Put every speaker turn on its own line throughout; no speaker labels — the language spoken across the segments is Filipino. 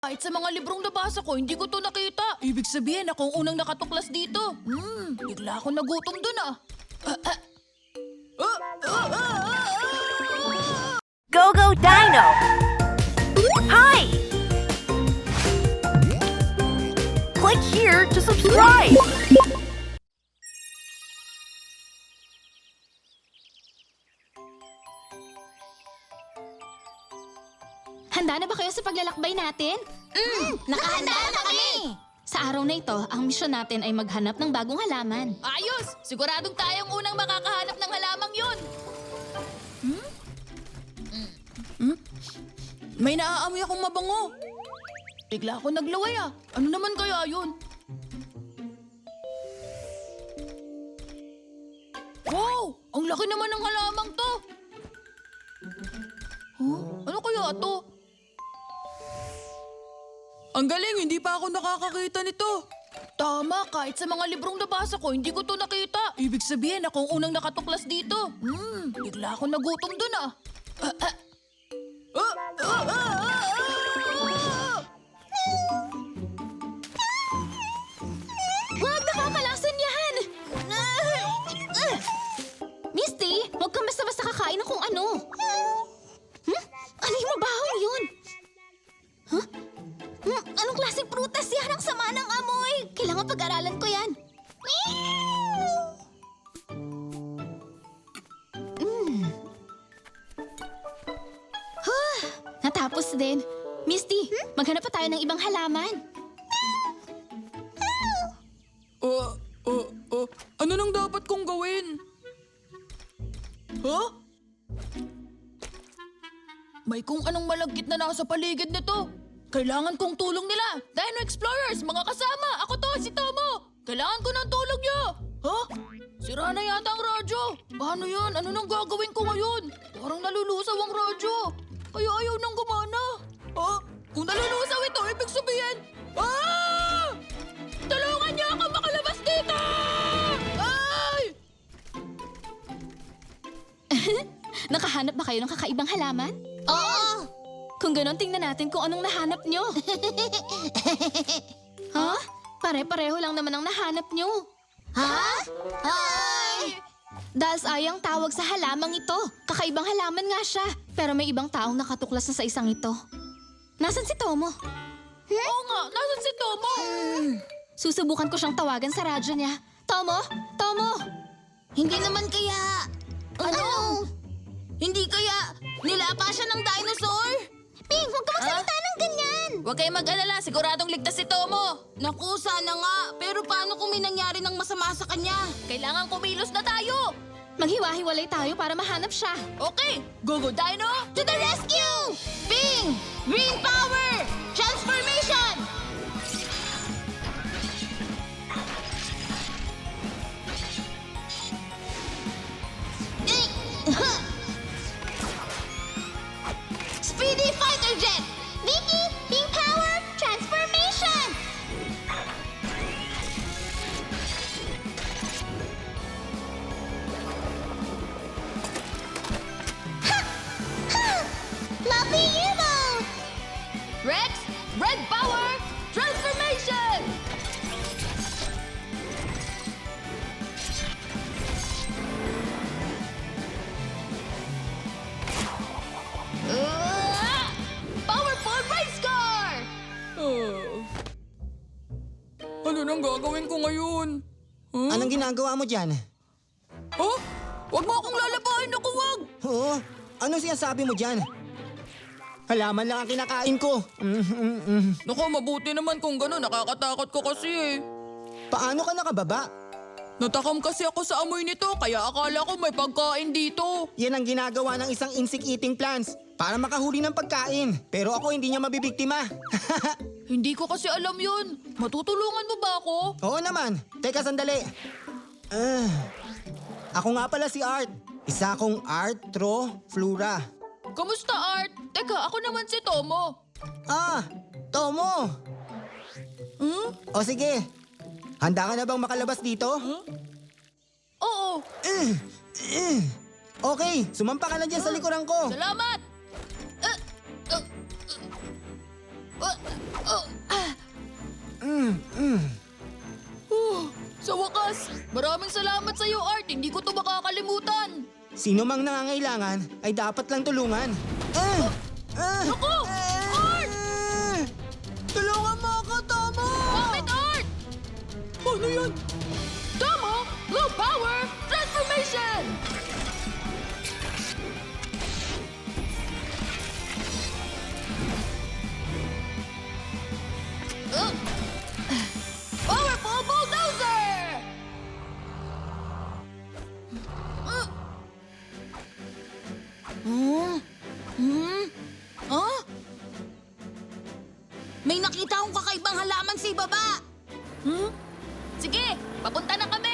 Kahit sa mga librong nabasa ko, hindi ko to nakita. Ibig sabihin, ako ang unang nakatuklas dito. Bigla ako nagutom dun ah.
Go Go Dino! Hi! Click here to subscribe!
Handa na ba kayo sa paglalakbay natin? Nakahanda na kami! Sa araw na ito, ang misyon natin ay maghanap ng bagong halaman.
Ayos! Siguradong tayong unang makakahanap ng halamang yun. May naaamoy akong mabango. Bigla ako naglaway ah. Ano naman kaya yun? Wow! Ang laki naman ng halamang to. Huh? Ano kaya to? Ang galing, hindi pa ako nakakakita nito. Tama, kahit sa mga librong nabasa ko, hindi ko to nakita. Ibig sabihin, ako ang unang nakatuklas dito. Bigla ako nagutom dun ah.
Huwag nakakalason yan! Misty, huwag kang basta-basta kakain ng kung ano. Ano yung mabahong yun? Huh? Anong klaseng prutas yan? Ang sama ng amoy! Kailangan pag-aralan ko yan. Natapos din. Misty, maghanap pa tayo ng ibang halaman.
Ano nang dapat kong gawin? Huh? May kung anong malagkit na nasa paligid nito. Kailangan kong tulong nila. Dino Explorers, mga kasama. Ako to, si Tomo. Kailangan ko ng tulong niyo. Huh? Sira na yata ang radyo. Paano yan? Ano nang gagawin ko ngayon? Parang nalulusaw ang radyo. Kaya ayaw nang gumana. Huh? Kung nalulusaw ito, ibig sabihin... Ah! Tulungan niyo ako makalabas dito! Ay!
Nakahanap ba kayo ng kakaibang halaman? Oo! Kung ganon, tingnan natin kung anong nahanap nyo. Ha? Pare-pareho lang naman ang nahanap nyo. Ha? Ay! Dahil sayang tawag sa halamang ito. Kakaibang halaman nga siya. Pero may ibang taong nakatuklas na sa isang ito. Nasaan si Tomo?
Oo nga, nasan si Tomo?
Susubukan ko siyang tawagan sa radyo niya. Tomo? Tomo?
Hindi naman kaya...
Ano?
Hindi kaya nilapa siya ng dinosaur?
Ping, huwag ka magsalita ng ganyan!
Huwag kayong mag-alala, siguradong ligtas si Tomo.
Naku, sana nga. Pero paano kung may nangyari ng masama sa kanya?
Kailangan kumilos na tayo.
Maghiwa-hiwalay tayo para mahanap siya.
Okay, go Dino!
To the rescue! Ping! Green power! Transformation! Speedy fighter jet!
Vicky, Ping Power, Transformation! Lovely U-boat!
Rex, red power, transformation! Powerful race car! Ano nang gagawin ko ngayon?
Anong ginagawa mo dyan?
Huh? Huwag mo akong lalabahin, naku wag!
Oo? Ano sinasabi mo dyan? Halaman lang ang kinakain ko.
Naku, mabuti naman kung gano'n. Nakakatakot ko kasi eh.
Paano ka nakababa?
Natakam kasi ako sa amoy nito, kaya akala ko may pagkain dito.
Yan ang ginagawa ng isang insect-eating plants para makahuli ng pagkain. Pero ako hindi niya mabibiktima.
Hindi ko kasi alam yun. Matutulungan mo ba ako?
Oo naman. Teka sandali. Ako nga pala si Art. Isa akong Arthroflora.
Kamusta, Art? Teka, ako naman si Tomo.
Tomo! O sige. Handa ka na bang makalabas dito?
Oo,
Okay, sumampa ka na dyan sa likuran ko.
salamat! Sa wakas, maraming salamat sa iyo, Art. Hindi ko to makakalimutan.
Sino mang nangangailangan ay dapat lang tulungan.
Naku! Art!
Tulungan mo ako, Tomo!
Bakit, Art? Ano yan? Tomo, Blue Power Transformation! Powerful Bulldozer!
Huh? May nakita akong kakaibang halaman sa ibaba.
Sige, papunta na kami!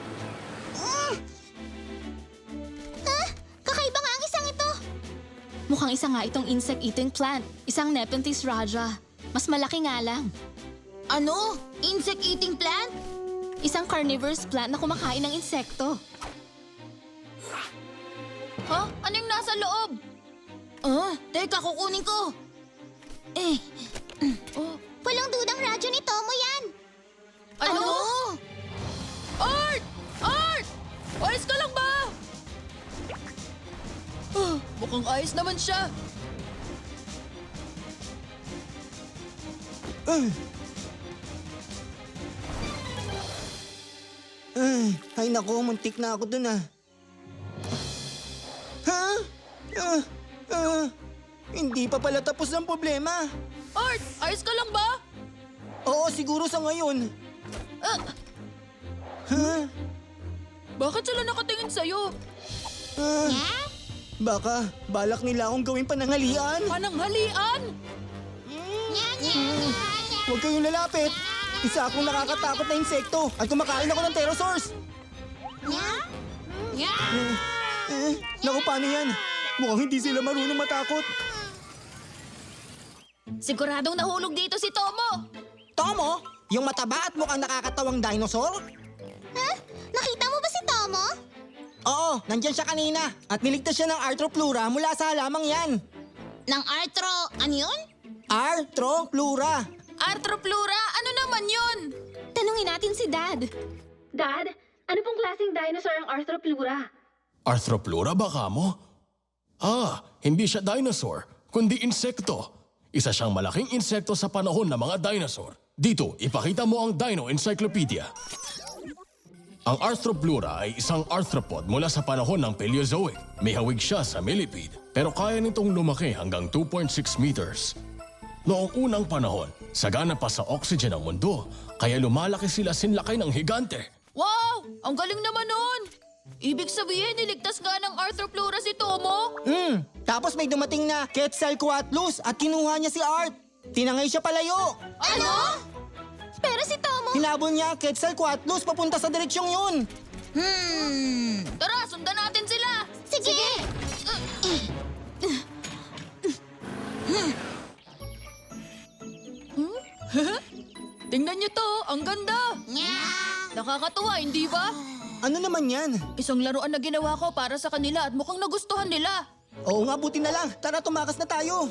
Kakaiba nga ang isang ito. Mukhang isa nga itong insect-eating plant. Isang Nepenthes raja. Mas malaki nga lang.
Ano? Insect-eating plant?
Isang carnivorous plant na kumakain ng insekto.
Ha? Ano yung nasa loob?
Teka, kukunin ko.
Walang dudang radyo ni Tomo yan.
Ano? Art! Art! Ayos ka lang ba? Mukhang ayos naman siya.
Ay nako, muntik na ako dun ah. Ha? Hindi pa pala tapos ang problema.
Art! Ayos ka lang ba?
Oo, siguro sa ngayon.
Bakit sila nakatingin sa'yo?
Baka balak nila akong gawing pananghalian.
Pananghalian?
Huwag kayong lalapit. Isa akong nakakatakot na insekto at kumakain ako ng pterosaurs. Naku, paano yan? Mukhang hindi sila marunong matakot.
Siguradong nahulog dito si Tomo.
Tomo, yung mataba at mukhang nakakatawang dinosaur?
Nakita mo ba si Tomo?
Oo, nandyan siya kanina at niligtas siya ng Arthroplura mula sa halamang yan.
Ng arthro, ano yun?
Arthroplura.
Arthroplura? Ano naman yun?
Tanungin natin si Dad. Dad, ano pong klaseng dinosaur ang Arthroplura?
Arthroplura ba kamo? Hindi siya dinosaur, kundi insekto. Isa siyang malaking insekto sa panahon ng mga dinosaur. Dito, ipakita mo ang Dino Encyclopedia. Ang Arthroplura ay isang arthropod mula sa panahon ng Paleozoic. May hawig siya sa millipede, pero kaya nitong lumaki hanggang 2.6 meters. Noong unang panahon, sagana pa sa oxygen ang mundo, kaya lumalaki sila sinlaki ng higante.
Wow! Ang galing naman nun! Ibig sabihin, niligtas nga ng Arthroplura si Tomo?
Tapos may dumating na Quetzalcoatlus at kinuha niya si Art. Tinangay siya palayo.
Ano?
Pero si Tomo...
Hinabol niya Quetzalcoatlus papunta sa direksyong yun.
Tara, sundan natin sila!
Sige!
Tingnan niyo to, ang ganda! Nakakatuwa, hindi ba?
Ano naman yan?
Isang laruan na ginawa ko para sa kanila at mukhang nagustuhan nila.
Oo nga, buti na lang. Tara, tumakas na tayo.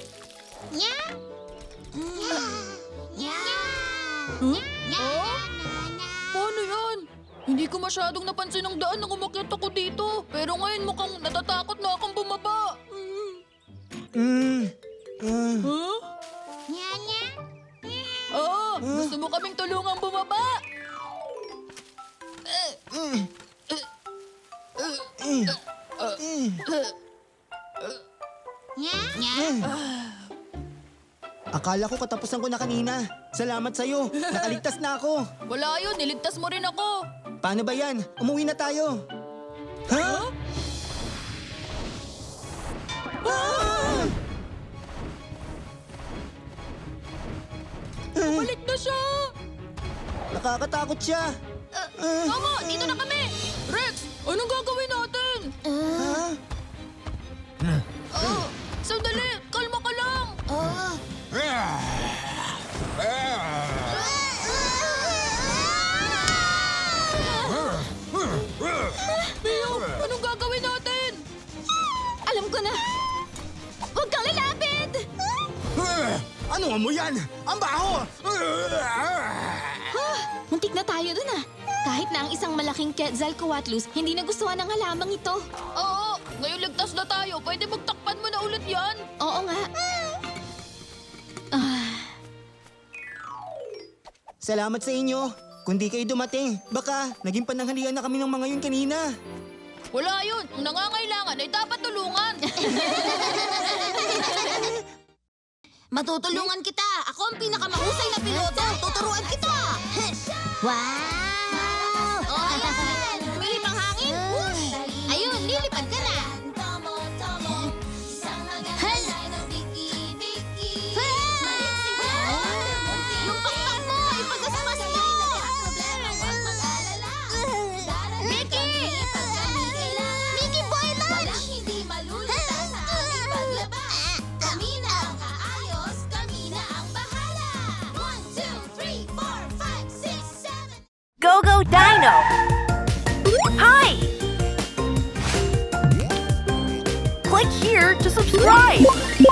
Oh? Paano yan? Hindi ko masyadong napansin ang daan nang umakyat ako dito. Pero ngayon mukhang natatakot na akong bumaba. Huh? Oo, gusto mo kaming tulungang bumaba?
Akala ko katapusan ko na kanina. Salamat sa'yo. Nakaligtas na ako.
Wala yun, niligtas mo rin ako.
Paano ba yan? Umuwi na tayo. Ha?
Balik na siya!
Nakakatakot siya.
Tomo, dito na kami! Rex, anong gagawin natin? Sandali, kalma ka lang! Mio, anong gagawin natin?
Alam ko na! Huwag kang lalapit!
Ano mo yan? Ang baho!
Muntik na tayo dun ah. Kahit na ang isang malaking Quetzalcoatlus, hindi nagustuhan ng halamang ito.
Oo, ngayon ligtas na tayo. Pwede magtakpan mo na ulit yan.
Oo nga.
Salamat sa inyo. Kung di kayo dumating, baka naging pananghalian na kami ng mga yun kanina.
Wala yun. Ang nangangailangan ay dapat tulungan.
Matutulungan kita. Ako ang pinakamahusay na piloto. Tuturuan kita. Wow! Oh, ayan. Humihip ang hangin. Whoosh! Ayun, lilipad ka na. Yung pakpak mo, ipagasmas mo. Mickey! Mickey Boy Lunch! Hindi malulunta sa aming paglaba. Kami na ang aayos, kami na ang bahala. 1, 2, 3, 4, 5, 6, 7.
Go-Go Dino! Hi! Click here to subscribe!